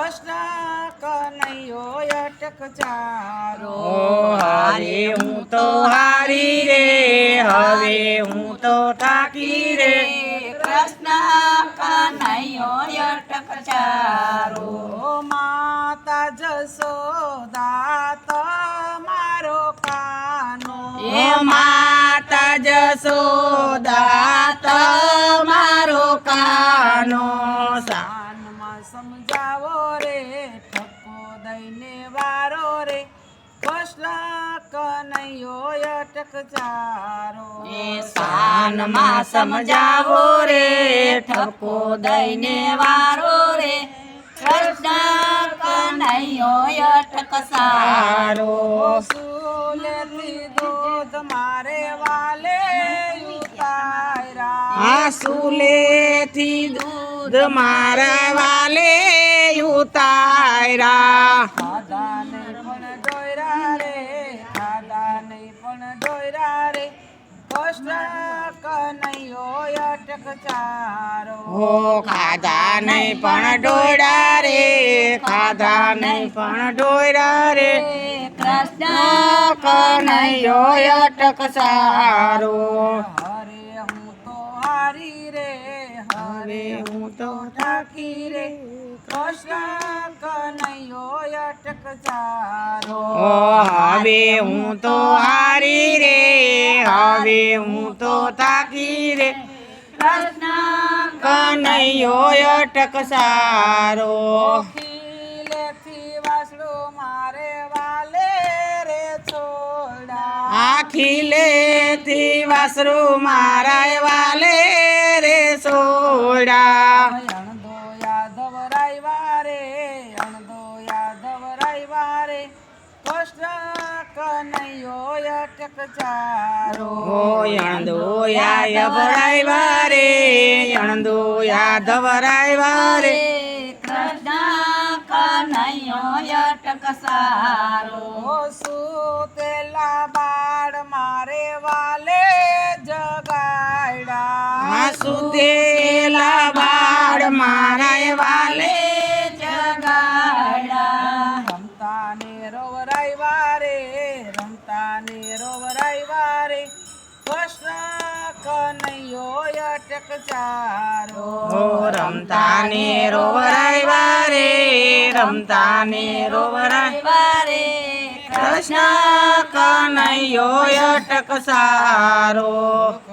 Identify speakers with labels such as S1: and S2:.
S1: કૃષ્ણ કનૈયો અટક ચારો
S2: હારે હું તો હારી રે હવે હું તો થાકી રે
S3: કૃષ્ણ કનૈયો અટક ચારો
S1: માતા જશોદા તમારો કાનો
S2: એ માતા જશોદા તમારો કાનો
S1: સાનમાં સમજાવો રે ઠપકો દઈને વારો રે કૃષ્ણ કનૈયો અટક ચારો
S3: સાનમાં સમજાવો રે ઠપકો દઈને વારો રે કૃષ્ણ કનૈયો અટક સારો
S1: સુલેથી દૂધ મારે વાલે ઉતાર્યા
S2: આસુલેથી દૂધ મારા વાલે ઉતાર્યા
S1: ખાધા નહીં પણ ડોયરા રે ખાધા નહીં પણ ડોયરા રે કૃષ્ણ કનૈયો અટક ચારો
S2: હો ખાધા નહીં પણ ડોયરા રે ખાધા નહીં પણ ડોયરા રે
S3: કૃષ્ણ
S2: કનૈયો અટક સારો
S1: હરે હું તો હારી રે હરે હું તો ઠાકી રે કૃષ્ણ કનૈયો અટક ચારો
S2: ઓ હવે હું તો હારી રે હવે હું તો થાકી રે
S3: કૃષ્ણ
S2: કનૈયો અટક સારો
S1: ખીલેથી વાસળો મારે વાલે રે છોડા
S2: આખીલેથી વાસરું મારા વાલે રે સોડા
S1: અણદો યાદવ રાયવા રે અણદો યાદવ રાયવા રે કૃષ્ણ કનૈયો અટક ચારો
S2: યણદોયા યભરાયવા રે યણદોયા ધવરાયવા રે
S3: કૃષ્ણ કનૈયો અટક સારો
S1: સુતેલા બાળ મારે વાલે જગાડ્યા
S2: સુતેલા બાળ મારા વાલે
S3: જગાડા
S1: રમતા ને રોવરાયવા રે રમતા ને રોવરાયવા રે કૃષ્ણ કનૈયો અટક ચારો
S2: રમતા ને રોવરાયવા રે રમતા ને રોવરાય
S3: વારે
S2: કૃષ્ણ કનૈયો અટક સારો